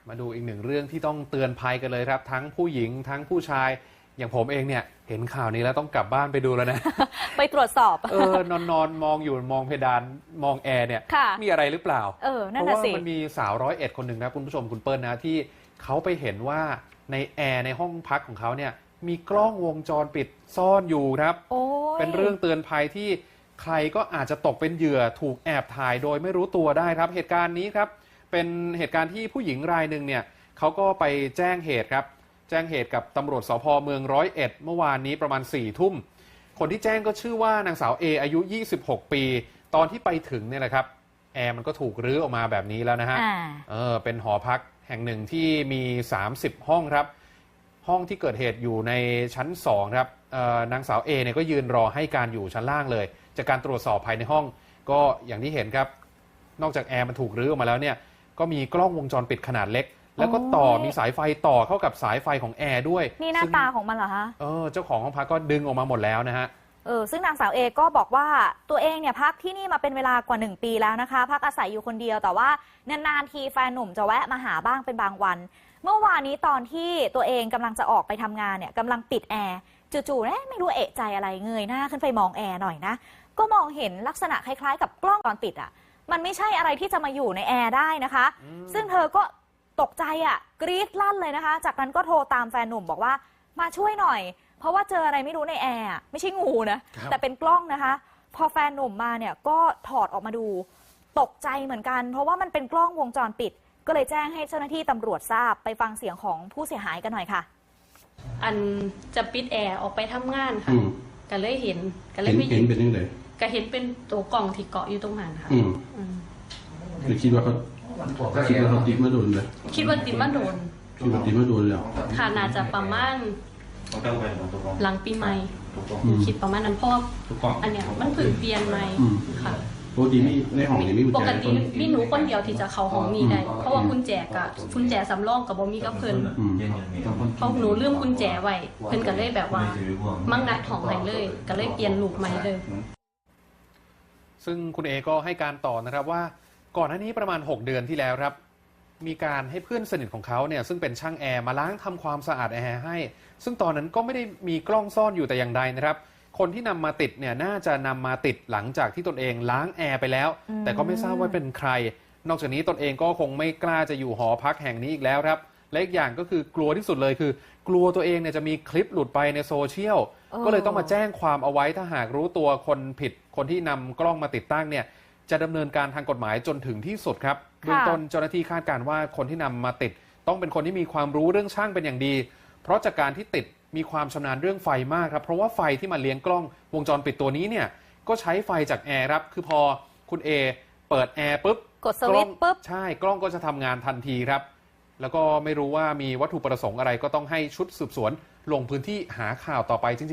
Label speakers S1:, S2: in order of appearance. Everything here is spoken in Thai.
S1: มาดูอีกหนึ่งเรื่องที่ต้องเตือนภัยกันเลยครับทั้งผู้หญิงทั้งผู้ชายอย่างผมเองเนี่ยเห็นข่าวนี้แล้วต้องกลับบ้านไปดูแล้วนะ
S2: ไปตรวจสอบ
S1: นอนมองอยู่มองเพดานมองแอร์เนี่ยมีอะไรหรือเปล่า
S2: นั่น
S1: เพราะว่า
S2: น่ะสิ
S1: มันมีสาว101คนหนึ่งนะคุณผู้ชมคุณเปิ้ลนะที่เขาไปเห็นว่าในแอร์ในห้องพักของเขาเนี่ยมีกล้องวงจรปิดซ่อนอยู่ครับเป็นเรื่องเตือนภัยที่ใครก็อาจจะตกเป็นเหยื่อถูกแอบถ่ายโดยไม่รู้ตัวได้ครับเหตุการณ์นี้ครับเป็นเหตุการณ์ที่ผู้หญิงรายหนึ่งเนี่ยเขาก็ไปแจ้งเหตุครับแจ้งเหตุกับตำรวจสภ.เมือง101เมื่อวานนี้ประมาณ4 ทุ่มคนที่แจ้งก็ชื่อว่านางสาวเออายุ26 ปีตอนที่ไปถึงเนี่ยแหละครับแอร์มันก็ถูกรื้อออกมาแบบนี้แล้วนะฮะเป็นหอพักแห่งหนึ่งที่มี30 ห้องครับห้องที่เกิดเหตุอยู่ในชั้น2ครับนางสาวเอเนี่ยก็ยืนรอให้การอยู่ชั้นล่างเลยจากการตรวจสอบภายในห้องก็อย่างที่เห็นครับนอกจากแอร์มันถูกรื้อออกมาแล้วเนี่ยก็มีกล้องวงจรปิดขนาดเล็กแล้วก็มีสายไฟต่อเข้ากับสายไฟของแอร์ด้วย
S2: นี่หน้าตาของมันเหรอคะ
S1: เจ้าของห้องพักก็ดึงออกมาหมดแล้วนะฮะ
S2: ซึ่งนางสาวเอก็บอกว่าตัวเองเนี่ยพักที่นี่มาเป็นเวลากว่า1 ปีแล้วนะคะพักอาศัยอยู่คนเดียวแต่ว่านานๆทีแฟนหนุ่มจะแวะมาหาบ้างเป็นบางวันเมื่อวานนี้ตอนที่ตัวเองกำลังจะออกไปทำงานเนี่ยกำลังปิดแอร์จู่ๆไม่รู้เอะใจอะไรเงยหน้าขึ้นไปมองแอร์หน่อยนะก็มองเห็นลักษณะคล้ายๆกับกล้องวงจรปิดอ่ะมันไม่ใช่อะไรที่จะมาอยู่ในแอร์ได้นะคะซึ่งเธอก็ตกใจกรี๊ดลั่นเลยนะคะจากนั้นก็โทรตามแฟนหนุ่มบอกว่ามาช่วยหน่อยเพราะว่าเจออะไรไม่รู้ในแอร์ไม่ใช่งูนะแต่เป็นกล้องนะคะพอแฟนหนุ่มมาเนี่ยก็ถอดออกมาดูตกใจเหมือนกันเพราะว่ามันเป็นกล้องวงจรปิดก็เลยแจ้งให้เจ้าหน้าที่ตำรวจทราบไปฟังเสียงของผู้เสียหายกันหน่อยค่ะ
S3: อันจะปิดแอร์ออกไปทำงานค่ะก็เลยเห็นไม่
S4: เห็นเป็นยังไง
S3: ก็เห็นเป็นตัวกล่องที่เกาะอยู่ตรงนั้นค่ะ
S4: คิดว่าเขาติดมาโดนเลย
S3: คิดว่าติดมาโดน
S4: แล้ว
S3: ค่ะน่าจะประมาณหลังปีใหม่คิดประมาณนั้นเพราะอันเนี้ยมันเพิ่งเปลี่ยนใหม่ค่ะ
S4: ปกติในห้องนี้
S3: ปกติมีหนูคนเดียวที่จะเข้าห้องนี้ได้เพราะว่ากุญแจสำรองกับบ่มีกับเพิ่นเพราะหนูลืมกุญแจไว้เพิ่นก็เลยแบบว่ามั่งนัดห้องให้เลยก็เลยเปลี่ยนลูกใหม่เลย
S1: ซึ่งคุณเอก็ให้การต่อนะครับว่าก่อนหน้านี้ประมาณ6 เดือนที่แล้วครับมีการให้เพื่อนสนิทของเขาเนี่ยซึ่งเป็นช่างแอร์มาล้างทำความสะอาดแอร์ให้ซึ่งตอนนั้นก็ไม่ได้มีกล้องซ่อนอยู่แต่อย่างใดนะครับคนที่นำมาติดเนี่ยน่าจะนำมาติดหลังจากที่ตนเองล้างแอร์ไปแล้วแต่ก็ไม่ทราบว่าเป็นใครนอกจากนี้ตนเองก็คงไม่กล้าจะอยู่หอพักแห่งนี้อีกแล้วครับและอีกอย่างก็คือกลัวที่สุดเลยคือกลัวตัวเองเนี่ยจะมีคลิปหลุดไปในโซเชียลก็เลยต้องมาแจ้งความเอาไว้ถ้าหากรู้ตัวคนผิดคนที่นำกล้องมาติดตั้งเนี่ยจะดำเนินการทางกฎหมายจนถึงที่สุดครับเบื้องต้นเจ้าหน้าที่คาดการณ์ว่าคนที่นำมาติดต้องเป็นคนที่มีความรู้เรื่องช่างเป็นอย่างดีเพราะจากการที่ติดมีความชำนาญเรื่องไฟมากครับเพราะว่าไฟที่มาเลี้ยงกล้องวงจรปิดตัวนี้เนี่ยก็ใช้ไฟจากแอร์ครับคือพอคุณเอเปิดแอร์ปุ๊บ
S2: กดสวิตช์ปุ๊บ
S1: ใช่กล้องก็จะทำงานทันทีครับแล้วก็ไม่รู้ว่ามีวัตถุประสงค์อะไรก็ต้องให้ชุดสืบสวนลงพื้นที่หาข่าวต่อไปจริง